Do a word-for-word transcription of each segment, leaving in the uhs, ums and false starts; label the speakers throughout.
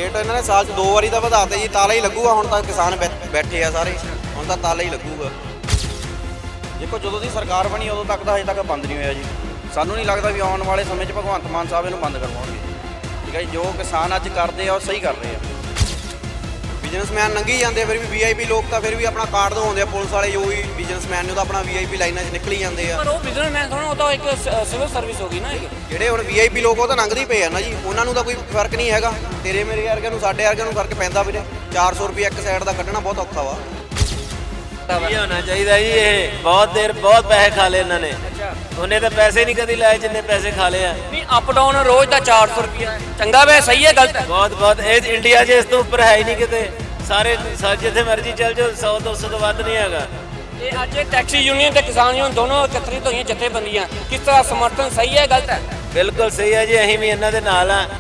Speaker 1: Rate ਇਹਨਾਂ ਨੇ ਸਾਲ 'ਚ ਦੋ ਵਾਰੀ ਤਾਂ ਵਧਾਤੇ ਜੀ। ਤਾਲਾ ਹੀ ਲੱਗੂਗਾ ਹੁਣ ਤਾਂ, ਕਿਸਾਨ ਬੈ- ਬੈਠੇ ਆ ਸਾਰੇ, ਹੁਣ ਤਾਂ ਤਾਲਾ ਹੀ ਲੱਗੂਗਾ। ਦੇਖੋ ਜਦੋਂ ਦੀ ਸਰਕਾਰ ਬਣੀ ਉਦੋਂ ਤੱਕ ਤਾਂ ਹਜੇ ਤੱਕ ਬੰਦ ਨਹੀਂ ਹੋਇਆ ਜੀ। ਸਾਨੂੰ ਨਹੀਂ ਲੱਗਦਾ ਵੀ ਆਉਣ ਵਾਲੇ ਸਮੇਂ 'ਚ ਭਗਵੰਤ ਮਾਨ ਸਾਹਿਬ ਇਹਨੂੰ ਬੰਦ ਕਰਵਾਉਣਗੇ। ਠੀਕ ਹੈ ਜੀ, ਜੋ ਕਿਸਾਨ ਅੱਜ ਕਰਦੇ ਆ ਉਹ ਸਹੀ ਕਰ ਰਹੇ ਆ। ਬਿਜ਼ਨਸਮੈਨ ਲੰਘੀ ਜਾਂਦੇ, ਫਿਰ ਵੀ ਵੀ ਆਈ ਪੀ ਲੋਕ ਤਾਂ ਫਿਰ ਵੀ ਆਪਣਾ ਕਾਰਡ ਦਿਖਾਉਂਦੇ ਆ ਪੁਲਿਸ ਵਾਲੇ, ਜੋ ਵੀ ਬਿਜ਼ਨਸਮੈਨ ਨੇ ਉਹ ਤਾਂ ਆਪਣਾ ਵੀ ਆਈ ਪੀ ਲਾਈਨਾਂ 'ਚ ਨਿਕਲੀ ਜਾਂਦੇ ਆ।
Speaker 2: ਪਰ ਉਹ ਬਿਜ਼ਨਸਮੈਨ ਥੋੜਾ, ਉਹ ਤਾਂ ਇੱਕ ਸਿਵਲ ਸਰਵਿਸ ਹੋ ਗਈ ਨਾ।
Speaker 1: ਜਿਹੜੇ ਹੁਣ ਵੀ ਆਈ ਪੀ ਲੋਕ ਉਹ ਤਾਂ ਲੰਘਦੇ ਹੀ ਪਏ ਆ ਨਾ ਜੀ, ਉਹਨਾਂ ਨੂੰ ਤਾਂ ਕੋਈ ਫਰਕ ਨਹੀਂ ਹੈਗਾ। ਤੇਰੇ ਮੇਰੇ ਵਰਗਿਆਂ ਨੂੰ, ਸਾਡੇ ਵਰਗਿਆਂ ਨੂੰ ਫਰਕ ਪੈਂਦਾ ਵੀਰੇ। ਚਾਰ ਸੌ ਰੁਪਏ ਇੱਕ ਸਾਈਡ ਦਾ ਕੱਢਣਾ ਬਹੁਤ ਔਖਾ ਵਾ।
Speaker 3: ਇਹ ਹੋਣਾ ਚਾਹੀਦਾ ਜੀ। ਇਹ ਬਹੁਤ ਦੇਰ ਬਹੁਤ ਪੈਸੇ ਖਾ ਲਏ ਇਹਨਾਂ ਨੇ। ਉਹਨੇ ਤਾਂ ਪੈਸੇ ਨਹੀਂ ਕਦੀ ਲਾਏ ਜਿੰਨੇ ਪੈਸੇ ਖਾ ਲਏ ਆ।
Speaker 2: ਨਹੀਂ, ਅਪ ਡਾਊਨ ਰੋਜ਼ ਦਾ ਚਾਰ ਸੌ ਰੁਪਇਆ ਚੰਗਾ ਵੇ, ਸਹੀ ਹੈ, ਗਲਤ ਹੈ?
Speaker 3: ਬਹੁਤ ਬਹੁਤ ਇਹ ਇੰਡੀਆ 'ਚ ਇਸ ਤੋਂ ਉੱਪਰ ਹੈ ਹੀ ਨਹੀਂ ਕਿਤੇ। ਸਾਰੇ ਸਾਰੇ ਜਿੱਥੇ ਮਰਜ਼ੀ ਚੱਲ ਜਾਓ, ਸੌ ਦੋ ਸੌ ਤੋਂ ਵੱਧ ਨਹੀਂ ਹੈਗਾ।
Speaker 2: ਤੇ ਅੱਜ ਟੈਕਸੀ ਯੂਨੀਅਨ ਤੇ ਕਿਸਾਨ ਯੂਨੀਅਨ ਦੋਨੋਂ ਇਕੱਤਰਿਤ ਹੋਈਆਂ ਜਥੇਬੰਦੀਆਂ, ਕਿਸ ਤਰ੍ਹਾਂ ਸਮਰਥਨ ਸਹੀ ਹੈ, ਗਲਤ ਹੈ?
Speaker 3: ਬਿਲਕੁਲ ਸਹੀ ਹੈ ਜੀ, ਅਸੀਂ ਵੀ ਇਹਨਾਂ ਦੇ ਨਾਲ ਆ।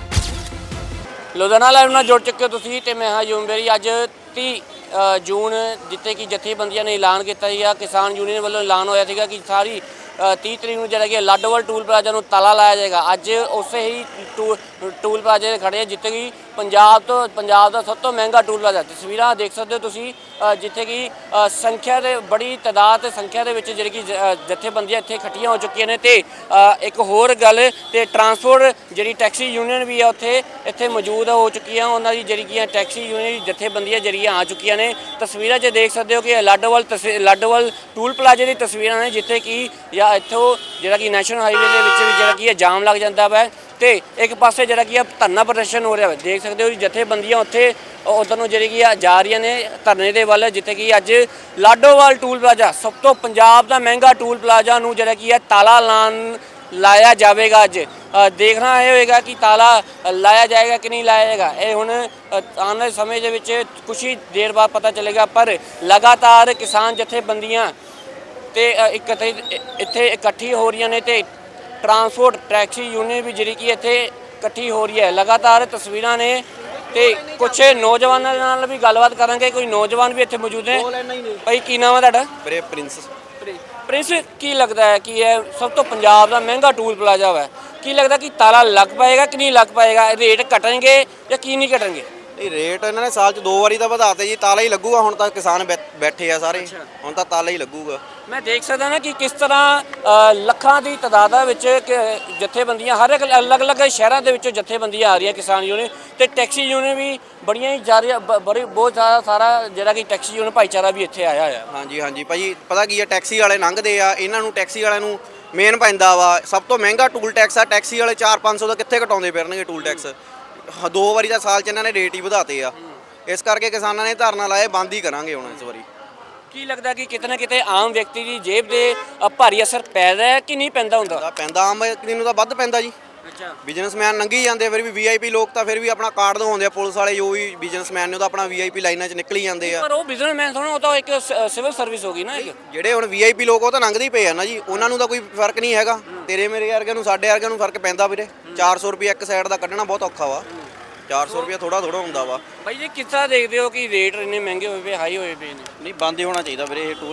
Speaker 2: ਲੁਧਿਆਣਾ ਲਾਈਵ ਨਾਲ ਜੁੜ ਚੁੱਕੇ ਤੁਸੀਂ ਤੇ ਮੈਂ ਹਾਂ ਯੂਮਬੇਰੀ। ਅੱਜ ਤੀਹ ਜੂਨ ਜਿੱਥੇ ਕਿ ਜਥੇਬੰਦੀਆਂ ਨੇ ਐਲਾਨ ਕੀਤਾ ਸੀਗਾ, ਕਿਸਾਨ ਯੂਨੀਅਨ ਵੱਲੋਂ ਐਲਾਨ ਹੋਇਆ ਸੀਗਾ ਕਿ ਸਾਰੀ ਤੀਹ ਤਰੀਕ ਨੂੰ ਜਿਹੜਾ ਕਿ ਲਾਡੋਵਾਲ ਟੂਲ ਪਲਾਜ਼ਾ ਨੂੰ ਤਾਲਾ ਲਾਇਆ ਜਾਏਗਾ। ਅੱਜ ਉਸੇ ਹੀ ਟੂ ਟੂਲ ਪਲਾਜ਼ੇ 'ਤੇ ਖੜੇ ਆ ਜਿੱਥੇ ਕਿ ਪੰਜਾਬ ਤੋਂ ਪੰਜਾਬ ਦਾ ਸਭ ਤੋਂ ਮਹਿੰਗਾ ਟੂਲ ਪਲਾਜ਼ਾ। ਤਸਵੀਰਾਂ ਦੇਖ ਸਕਦੇ ਹੋ ਤੁਸੀਂ, ਜਿੱਥੇ ਕਿ ਸੰਖਿਆ ਦੇ ਬੜੀ ਤਾਦਾਦ ਤੇ ਸੰਖਿਆ ਦੇ ਵਿੱਚ ਜਿਹੜੀ ਕਿ ਜਥੇਬੰਦੀਆਂ ਇੱਥੇ ਇਕੱਠੀਆਂ ਹੋ ਚੁੱਕੀਆਂ ਨੇ। ਤੇ ਇੱਕ ਹੋਰ ਗੱਲ, ਤੇ ਟਰਾਂਸਪੋਰਟ ਜਿਹੜੀ ਟੈਕਸੀ ਯੂਨੀਅਨ ਵੀ ਆ ਉੱਥੇ ਇੱਥੇ ਮੌਜੂਦ ਹੋ ਚੁੱਕੀਆਂ। ਉਹਨਾਂ ਦੀ ਜਿਹੜੀ ਕਿ ਟੈਕਸੀ ਯੂਨੀਅਨ ਜਥੇਬੰਦੀਆਂ ਜਿਹੜੀਆਂ ਆ ਚੁੱਕੀਆਂ ਨੇ। ਤਸਵੀਰਾਂ 'ਚ ਦੇਖ ਸਕਦੇ ਹੋ ਕਿ ਲਾਡੋਵਾਲ ਲਾਡੋਵਾਲ ਟੂਲ ਪਲਾਜ਼ੇ ਦੀ ਤਸਵੀਰਾਂ ਨੇ, ਜਿੱਥੇ ਕਿ ਜਾਂ ਇੱਥੋਂ ਜਿਹੜਾ ਕਿ ਨੈਸ਼ਨਲ ਹਾਈਵੇ ਦੇ ਵਿੱਚ ਵੀ ਜਿਹੜਾ ਕਿ ਜਾਮ ਲੱਗ ਜਾਂਦਾ ਵਾ। ਤੇ ਇੱਕ ਪਾਸੇ ਜਿਹੜਾ ਕਿ ਧਰਨਾ ਪ੍ਰਦਰਸ਼ਨ ਹੋ ਰਿਹਾ ਵਾ, ਦੇਖ ਸਕਦੇ ਹੋ ਜੀ। ਜਥੇਬੰਦੀਆਂ ਉੱਥੇ ਉਧਰ ਨੂੰ ਜਿਹੜੀ ਕਿ ਜਾ ਰਹੀਆਂ ਨੇ ਧਰਨੇ ਦੇ ਵੱਲ, ਜਿੱਥੇ ਕਿ ਅੱਜ ਲਾਡੋਵਾਲ ਟੂਲ ਪਲਾਜ਼ਾ, ਸਭ ਤੋਂ ਪੰਜਾਬ ਦਾ ਮਹਿੰਗਾ ਟੂਲ ਪਲਾਜ਼ਾ ਨੂੰ ਜਿਹੜਾ ਕਿ ਤਾਲਾ ਲਾਉਣ ਲਾਇਆ ਜਾਵੇਗਾ। ਅੱਜ ਦੇਖਣਾ ਇਹ ਹੋਏਗਾ ਕਿ ਤਾਲਾ ਲਾਇਆ ਜਾਏਗਾ ਕਿ ਨਹੀਂ ਲਾਇਆ ਜਾਏਗਾ। ਇਹ ਹੁਣ ਆਉਣ ਵਾਲੇ ਸਮੇਂ ਦੇ ਵਿੱਚ ਕੁਛ ਹੀ ਦੇਰ ਬਾਅਦ ਪਤਾ ਚੱਲੇਗਾ। ਪਰ ਲਗਾਤਾਰ ਕਿਸਾਨ ਜਥੇਬੰਦੀਆਂ ਤੇ ਇਕੱਠੇ ਇੱਥੇ ਇਕੱਠੀ ਹੋ ਰਹੀਆਂ ਨੇ ਤੇ ਟਰਾਂਸਪੋਰਟ ਟੈਕਸੀ ਯੂਨੀਅਨ ਵੀ ਜਿਹੜੀ ਕਿ ਇੱਥੇ ਇਕੱਠੀ ਹੋ ਰਹੀ ਹੈ। ਲਗਾਤਾਰ ਤਸਵੀਰਾਂ ਨੇ ਤੇ ਕੁਛ ਨੌਜਵਾਨਾਂ ਦੇ ਨਾਲ ਵੀ ਗੱਲਬਾਤ ਕਰਾਂਗੇ। ਕੋਈ ਨੌਜਵਾਨ ਵੀ ਇੱਥੇ ਮੌਜੂਦ ਨੇ। ਭਾਈ ਕੀ ਨਾਮ ਹੈ ਤੁਹਾਡਾ?
Speaker 1: ਵੀਰੇ ਪ੍ਰਿੰਸ।
Speaker 2: ਪ੍ਰਿੰਸ, ਕੀ ਲੱਗਦਾ ਹੈ ਕਿ ਇਹ ਸਭ ਤੋਂ ਪੰਜਾਬ ਦਾ ਮਹਿੰਗਾ ਟੂਲ ਪਲਾਜ਼ਾ ਵਾ, ਕੀ ਲੱਗਦਾ ਕਿ ਤਾਲਾ ਲੱਗ ਪਾਏਗਾ ਕਿ ਨਹੀਂ ਲੱਗ ਪਾਏਗਾ? ਰੇਟ ਘਟਣਗੇ ਜਾਂ ਕੀ ਨਹੀਂ ਘਟਣਗੇ?
Speaker 1: ਇਹ ਰੇਟ ਇਹਨਾਂ ਨੇ ਸਾਲ 'ਚ ਦੋ ਵਾਰੀ ਤਾਂ ਵਧਾਤੇ ਜੀ। ਤਾਲਾ ਹੀ ਲੱਗੂਗਾ ਹੁਣ ਤਾਂ, ਕਿਸਾਨ ਬੈ- ਬੈਠੇ ਆ ਸਾਰੇ, ਹੁਣ ਤਾਂ ਤਾਲਾ ਹੀ ਲੱਗੂਗਾ।
Speaker 2: ਮੈਂ ਦੇਖ ਸਕਦਾ ਨਾ ਕਿ ਕਿਸ ਤਰ੍ਹਾਂ ਲੱਖਾਂ ਦੀ ਤਾਦਾਦ ਵਿੱਚ ਜਥੇਬੰਦੀਆਂ ਹਰ ਇੱਕ ਅਲੱਗ-ਅਲੱਗ ਸ਼ਹਿਰਾਂ ਦੇ ਵਿੱਚੋਂ ਜਥੇਬੰਦੀਆਂ ਆ ਰਹੀਆਂ ਕਿਸਾਨ ਯੂਨੀਅਨ ਤੇ ਟੈਕਸੀ ਯੂਨੀਅਨ ਵੀ ਬੜੀਆਂ ਹੀ ਜਾ ਰਹੀਆਂ। ਬੜੀ ਬਹੁਤ ਜ਼ਿਆਦਾ ਸਾਰਾ ਜਿਹੜਾ ਕਿ ਟੈਕਸੀ ਯੂਨੀਅਨ ਭਾਈਚਾਰਾ ਵੀ ਇੱਥੇ ਆਇਆ ਹੋਇਆ।
Speaker 1: ਹਾਂਜੀ ਹਾਂਜੀ ਭਾਜੀ, ਪਤਾ ਕੀ ਆ, ਟੈਕਸੀ ਵਾਲੇ ਲੰਘਦੇ ਆ, ਇਹਨਾਂ ਨੂੰ ਟੈਕਸੀ ਵਾਲਿਆਂ ਨੂੰ ਮੇਨ ਪੈਂਦਾ ਵਾ। ਸਭ ਤੋਂ ਮਹਿੰਗਾ ਟੂਲ ਟੈਕਸ ਆ। ਟੈਕਸੀ ਵਾਲੇ ਚਾਰ ਪੰਜ ਸੌ ਦਾ ਕਿੱਥੇ ਘਟਾਉਂਦੇ ਫਿਰਨਗੇ ਟੂਲ ਟੈਕਸ? ਦੋ ਵਾਰੀ ਤਾਂ ਸਾਲ 'ਚ ਇਹਨਾਂ ਨੇ ਰੇਟ ਹੀ ਵਧਾਤੇ ਆ। ਇਸ ਕਰਕੇ ਕਿਸਾਨਾਂ ਨੇ ਧਰਨਾ ਲਾਇਆ, ਬੰਦ ਹੀ ਕਰਾਂਗੇ ਹੁਣ ਇਸ ਵਾਰੀ।
Speaker 2: ਕੀ ਲੱਗਦਾ ਕਿ ਕਿਤੇ ਨਾ ਕਿਤੇ ਆਮ ਵਿਅਕਤੀ ਦੀ ਜੇਬ ਦੇ ਭਾਰੀ ਅਸਰ ਪੈਦਾ ਹੈ ਕਿ ਨਹੀਂ ਪੈਂਦਾ ਹੁੰਦਾ?
Speaker 1: ਪੈਂਦਾ, ਆਮ ਵਿਅਕਤੀ ਨੂੰ ਤਾਂ ਵੱਧ ਪੈਂਦਾ ਜੀ।
Speaker 2: ਅੱਛਾ,
Speaker 1: ਬਿਜ਼ਨਸਮੈਨ ਲੰਘੀ ਜਾਂਦੇ, ਫਿਰ ਵੀ ਵੀ ਆਈ ਪੀ ਲੋਕ ਤਾਂ ਫਿਰ ਵੀ ਆਪਣਾ ਕਾਰਡ ਦਿਖਾਉਂਦੇ ਆ ਪੁਲਿਸ ਵਾਲੇ, ਜੋ ਵੀ ਬਿਜ਼ਨਸਮੈਨ ਨੇ ਉਹ ਤਾਂ ਆਪਣਾ ਵੀ ਆਈ ਪੀ ਲਾਈਨਾਂ 'ਚ ਨਿਕਲੀ ਜਾਂਦੇ ਆ।
Speaker 2: ਪਰ ਉਹ ਬਿਜ਼ਨਸਮੈਨ ਥੋੜਾ, ਉਹ ਤਾਂ ਇੱਕ ਸਿਵਲ ਸਰਵਿਸ ਹੋ ਗਈ ਨਾ। ਇੱਕ
Speaker 1: ਜਿਹੜੇ ਹੁਣ ਵੀ ਆਈ ਪੀ ਲੋਕ ਉਹ ਤਾਂ ਲੰਘਦੇ ਹੀ ਪਏ ਆ ਨਾ ਜੀ, ਉਹਨਾਂ ਨੂੰ ਤਾਂ ਕੋਈ ਫਰਕ ਨਹੀਂ ਹੈਗਾ। ਤੇਰੇ ਮੇਰੇ ਵਰਗਿਆਂ ਨੂੰ, ਸਾਡੇ ਵਰਗਿਆਂ ਨੂੰ ਫਰਕ ਪੈਂਦਾ ਵੀਰੇ। ਚਾਰ ਸੌ ਰੁਪਏ ਇੱਕ ਸਾਈਡ ਦਾ ਕੱਢਣਾ ਬਹੁਤ ਔਖਾ ਵਾ। ਚਾਰ ਸੌ ਰੁਪਏ ਥੋੜਾ ਥੋੜਾ ਹੁੰਦਾ ਵਾ।
Speaker 2: ਬਾਈ ਜੀ, ਕਿਸ ਤਰ੍ਹਾਂ ਦੇਖਦੇ ਹੋ ਕਿ ਰੇਟ ਇੰਨੇ ਮਹਿੰਗੇ ਹੋਏ ਪਏ, ਹਾਈ ਹੋਏ ਪਏ ਨੇ?
Speaker 1: ਨਹੀਂ, ਬੰਦ ਹੀ ਹੋਣਾ ਚਾਹੀਦਾ ਵੀਰੇ ਇਹ ਟੂਲ।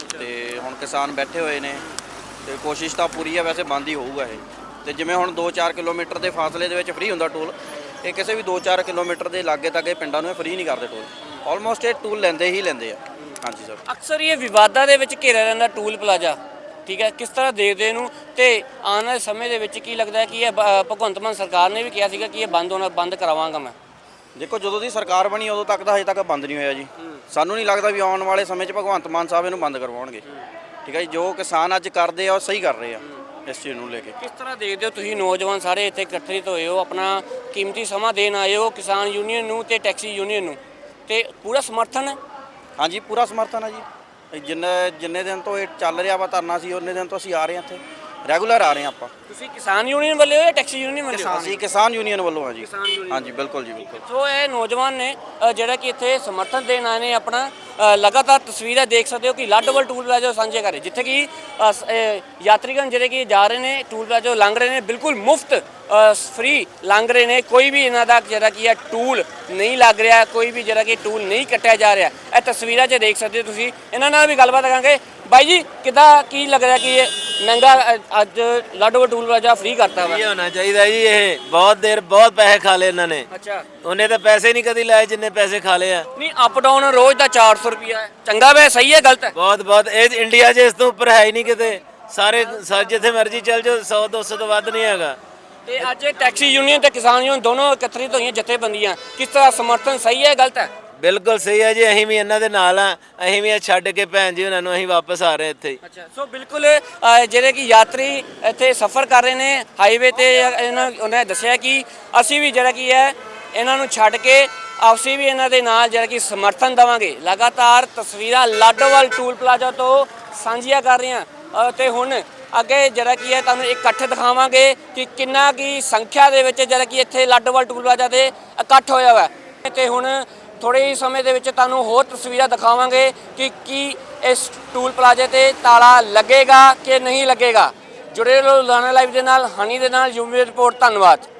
Speaker 1: ਤੇ ਹੁਣ ਕਿਸਾਨ ਬੈਠੇ ਹੋਏ ਨੇ ਤੇ ਕੋਸ਼ਿਸ਼ ਤਾਂ ਪੂਰੀ ਹੈ, ਵੈਸੇ ਬੰਦ ਹੀ ਹੋਊਗਾ ਇਹ। ਤੇ ਜਿਵੇਂ ਹੁਣ ਦੋ ਚਾਰ ਕਿਲੋਮੀਟਰ ਦੇ ਫਾਸਲੇ ਦੇ ਵਿੱਚ ਫ੍ਰੀ ਹੁੰਦਾ ਟੂਲ, ਇਹ ਕਿਸੇ ਵੀ ਦੋ ਚਾਰ ਕਿਲੋਮੀਟਰ ਦੇ ਲਾਗੇ ਤੱਕ ਇਹ ਪਿੰਡਾਂ ਨੂੰ ਫ੍ਰੀ ਨਹੀਂ ਕਰਦੇ ਟੂਲ। ਆਲਮੋਸਟ ਇਹ ਟੂਲ ਲੈਂਦੇ ਹੀ ਲੈਂਦੇ ਆ। ਹਾਂਜੀ ਸਰ।
Speaker 2: ਅਕਸਰ ਇਹ ਵਿਵਾਦਾਂ ਦੇ ਵਿੱਚ ਘਿਰਿਆ ਰਹਿੰਦਾ ਟੂਲ ਪਲਾਜ਼ਾ, ਠੀਕ ਹੈ? ਕਿਸ ਤਰ੍ਹਾਂ ਦੇਖਦੇ ਇਹਨੂੰ ਤੇ ਆਉਣ ਵਾਲੇ ਸਮੇਂ ਦੇ ਵਿੱਚ ਕੀ ਲੱਗਦਾ ਕਿ ਇਹ ਭਗਵੰਤ ਮਾਨ ਸਰਕਾਰ ਨੇ ਵੀ ਕਿਹਾ ਸੀਗਾ ਕਿ ਇਹ ਬੰਦ ਹੋਣਾ, ਬੰਦ ਕਰਾਵਾਂਗਾ ਮੈਂ?
Speaker 1: ਦੇਖੋ ਜਦੋਂ ਦੀ ਸਰਕਾਰ ਬਣੀ ਉਦੋਂ ਤੱਕ ਤਾਂ ਹਜੇ ਤੱਕ ਬੰਦ ਨਹੀਂ ਹੋਇਆ ਜੀ। ਸਾਨੂੰ ਨਹੀਂ ਲੱਗਦਾ ਵੀ ਆਉਣ ਵਾਲੇ ਸਮੇਂ 'ਚ ਭਗਵੰਤ ਮਾਨ ਸਾਹਿਬ ਇਹਨੂੰ ਬੰਦ ਕਰਵਾਉਣਗੇ। ਠੀਕ ਹੈ ਜੀ, ਜੋ ਕਿਸਾਨ ਅੱਜ ਕਰਦੇ ਆ ਉਹ ਸਹੀ ਕਰ ਰਹੇ ਆ ਇਸ ਚੀਜ਼ ਨੂੰ ਲੈ ਕੇ।
Speaker 2: ਕਿਸ ਤਰ੍ਹਾਂ ਦੇਖਦੇ ਹੋ ਤੁਸੀਂ ਨੌਜਵਾਨ ਸਾਰੇ ਇੱਥੇ ਇਕੱਠੇ ਹੋਏ ਹੋ, ਆਪਣਾ ਕੀਮਤੀ ਸਮਾਂ ਦੇਣ ਆਏ ਹੋ ਕਿਸਾਨ ਯੂਨੀਅਨ ਨੂੰ ਤੇ ਟੈਕਸੀ ਯੂਨੀਅਨ ਨੂੰ, ਤੇ ਪੂਰਾ ਸਮਰਥਨ ਹੈ?
Speaker 1: ਹਾਂਜੀ, ਪੂਰਾ ਸਮਰਥਨ ਹੈ ਜੀ। ਜਿੰਨੇ ਜਿੰਨੇ ਦਿਨ ਤੋਂ ਇਹ ਚੱਲ ਰਿਹਾ ਵਾ ਧਰਨਾ, ਸੀ ਉਹਨੇ ਦਿਨ ਤੋਂ ਅਸੀਂ ਆ ਰਹੇ ਹਾਂ ਇੱਥੇ, ਰੈਗੂਲਰ ਆ ਰਹੇ ਹਾਂ ਆਪਾਂ।
Speaker 2: ਤੁਸੀਂ ਕਿਸਾਨ ਯੂਨੀਅਨ ਵੱਲੋਂ ਹੋ ਜਾਂ ਟੈਕਸੀ ਯੂਨੀਅਨ ਵੱਲੋਂ?
Speaker 1: ਅਸੀਂ ਕਿਸਾਨ ਯੂਨੀਅਨ ਵੱਲੋਂ ਹਾਂ ਜੀ। ਹਾਂਜੀ ਬਿਲਕੁਲ ਜੀ, ਬਿਲਕੁਲ।
Speaker 2: ਸੋ ਇਹ ਨੌਜਵਾਨ ਨੇ ਜਿਹੜਾ ਕਿ ਇੱਥੇ ਸਮਰਥਨ ਦੇਣ ਆਏ ਨੇ ਆਪਣਾ। ਲਗਾਤਾਰ ਤਸਵੀਰਾਂ ਦੇਖ ਸਕਦੇ ਹੋ ਕਿ ਲਾਡੋਵਾਲ ਟੂਲ ਪਲਾਜ਼ਾ ਸਾਂਝੇ ਕਰ ਰਹੇ, ਜਿੱਥੇ ਕਿ ਯਾਤਰੀਗਣ ਜਿਹੜੇ ਕਿ ਜਾ ਰਹੇ ਨੇ ਟੂਲ ਪਲਾਜ਼ਾ ਲੰਘ ਰਹੇ ਨੇ, ਬਿਲਕੁਲ ਮੁਫਤ ਫ੍ਰੀ ਲੰਘ ਰਹੇ ਨੇ। ਕੋਈ ਵੀ ਇਹਨਾਂ ਦਾ ਜਿਹੜਾ ਕਿ ਟੂਲ ਨਹੀਂ ਲੱਗ ਰਿਹਾ, ਕੋਈ ਵੀ ਜਿਹੜਾ ਕਿ ਟੂਲ ਨਹੀਂ ਕੱਟਿਆ ਜਾ ਰਿਹਾ। ਇਹ ਤਸਵੀਰਾਂ 'ਚ ਦੇਖ ਸਕਦੇ ਹੋ ਤੁਸੀਂ। ਇਹਨਾਂ ਨਾਲ ਵੀ ਗੱਲਬਾਤ ਕਰਾਂਗੇ। ਬਾਈ ਜੀ, ਕਿੱਦਾਂ, ਕੀ ਲੱਗ ਰਿਹਾ ਕਿ ਇਹ ਮਹਿੰਗਾ ਅ- ਅੱਜ ਲਾਡੋਵਾਲ ਟੂਲ ਪਲਾਜ਼ਾ ਫ੍ਰੀ ਕਰਤਾ ਵਾ
Speaker 3: ਇਹ ਹੋਣਾ ਚਾਹੀਦਾ ਜੀ। ਇਹ ਬਹੁਤ ਦੇਰ ਬਹੁਤ ਪੈਸੇ ਖਾ ਲਏ ਇਹਨਾਂ ਨੇ।
Speaker 2: ਅੱਛਾ
Speaker 3: ਉਹਨੇ ਤਾਂ ਪੈਸੇ ਨਹੀਂ ਕਦੀ ਲਾਏ ਜਿੰਨੇ ਪੈਸੇ ਖਾ ਲਏ ਆ।
Speaker 2: ਨਹੀਂ ਅਪ ਡਾਊਨ ਰੋਜ਼ ਦਾ ਚਾਰ ਸੌ ਰੁਪਿਆ ਹੈ ਚੰਗਾ ਵੇ ਸਹੀ ਹੈ ਗਲਤ ਹੈ
Speaker 3: ਬਹੁਤ ਬਹੁਤ ਇਹ ਇੰਡੀਆ 'ਚ ਇਸ ਤੋਂ ਉੱਪਰ ਹੈ ਹੀ ਨਹੀਂ ਕਿਤੇ। ਸਾਰੇ ਸਾਰੇ ਜਿੱਥੇ ਮਰਜ਼ੀ ਚੱਲ ਜਾਓ ਸੌ ਦੋ ਸੌ ਤੋਂ ਵੱਧ ਨਹੀਂ ਹੈਗਾ।
Speaker 2: ਤੇ ਅੱਜ ਟੈਕਸੀ ਯੂਨੀਅਨ ਤੇ ਕਿਸਾਨ ਯੂਨੀਅਨ ਦੋਨੋਂ ਇਕੱਤਰਿਤ ਹੋਈਆਂ ਜਥੇਬੰਦੀਆਂ ਕਿਸ ਤਰ੍ਹਾਂ ਸਮਰਥਨ ਸਹੀ ਹੈ ਗਲਤ ਹੈ
Speaker 3: ਬਿਲਕੁਲ ਸਹੀ ਹੈ ਜੀ। ਅਸੀਂ ਵੀ ਇਹਨਾਂ ਦੇ ਨਾਲ ਆ। ਅਸੀਂ ਵੀ ਇਹ ਛੱਡ ਕੇ ਭੈਣ ਜੀ ਉਹਨਾਂ ਨੂੰ ਅਸੀਂ ਵਾਪਸ ਆ ਰਹੇ ਇੱਥੇ ਹੀ।
Speaker 2: ਅੱਛਾ ਸੋ ਬਿਲਕੁਲ ਅ, ਜਿਹੜੇ ਕਿ ਯਾਤਰੀ ਇੱਥੇ ਸਫ਼ਰ ਕਰ ਰਹੇ ਨੇ ਹਾਈਵੇ ਤੇ ਇਹਨਾਂ ਉਹਨਾਂ ਨੇ ਦੱਸਿਆ ਕਿ ਅਸੀਂ ਵੀ ਜਿਹੜਾ ਕੀ ਹੈ ਇਹਨਾਂ ਨੂੰ ਛੱਡ ਕੇ ਅਸੀਂ ਵੀ ਇਹਨਾਂ ਦੇ ਨਾਲ ਜਿਹੜਾ ਕਿ ਸਮਰਥਨ ਦੇਵਾਂਗੇ। ਲਗਾਤਾਰ ਤਸਵੀਰਾਂ ਲਾਡੋਵਾਲ ਟੂਲ ਪਲਾਜ਼ਾ ਤੋਂ ਸਾਂਝੀਆਂ ਕਰ ਰਹੇ ਹਾਂ ਅ, ਤੇ ਹੁਣ ਅੱਗੇ ਜਿਹੜਾ ਕੀ ਹੈ ਤੁਹਾਨੂੰ ਇਕੱਠ ਦਿਖਾਵਾਂਗੇ ਕਿ ਕਿੰਨਾ ਕੀ ਸੰਖਿਆ ਦੇ ਵਿੱਚ ਜਿਹੜਾ ਕਿ ਇੱਥੇ ਲਾਡੋਵਾਲ ਟੂਲ ਪਲਾਜ਼ਾ ਤੇ ਇਕੱਠ ਹੋਇਆ ਹੋਇਆ ਹੈ। ਤੇ ਹੁਣ ਥੋੜੇ ਹੀ ਸਮੇਂ ਦੇ ਵਿੱਚ ਤੁਹਾਨੂੰ ਹੋਰ ਤਸਵੀਰਾਂ ਦਿਖਾਵਾਂਗੇ ਕਿ ਕੀ ਇਸ ਟੂਲ ਪਲਾਜ਼ੇ ਤੇ ਤਾਲਾ ਲੱਗੇਗਾ ਕਿ ਨਹੀਂ ਲੱਗੇਗਾ। ਜੁੜੇ ਰਹੋ ਲੁਧਿਆਣਾ ਲਾਈਵ ਦੇ ਨਾਲ, ਹਨੀ ਦੇ ਨਾਲ, ਯੂਮੀ ਰਿਪੋਰਟ। ਧੰਨਵਾਦ।